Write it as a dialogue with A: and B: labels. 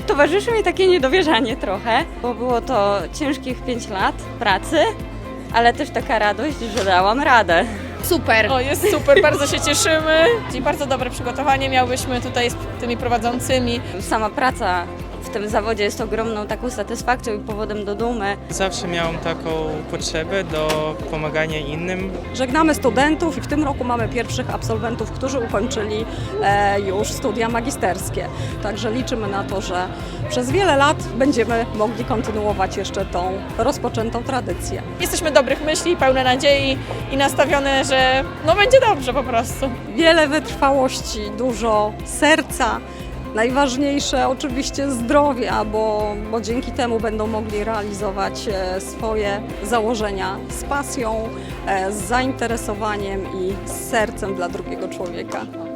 A: towarzyszy mi takie niedowierzanie trochę, bo było to ciężkich 5 lat pracy, ale też taka radość, że dałam radę.
B: Super.
C: O, jest super, bardzo się cieszymy. I bardzo dobre przygotowanie miałyśmy tutaj z tymi prowadzącymi.
A: Sama praca w tym zawodzie jest ogromną taką satysfakcją i powodem do dumy.
D: Zawsze miałam taką potrzebę do pomagania innym.
E: Żegnamy studentów i w tym roku mamy pierwszych absolwentów, którzy ukończyli już studia magisterskie. Także liczymy na to, że przez wiele lat będziemy mogli kontynuować jeszcze tą rozpoczętą tradycję.
C: Jesteśmy dobrych myśli, pełne nadziei i nastawione, że no będzie dobrze po prostu.
E: Wiele wytrwałości, dużo serca. Najważniejsze oczywiście zdrowia, bo dzięki temu będą mogli realizować swoje założenia z pasją, z zainteresowaniem i z sercem dla drugiego człowieka.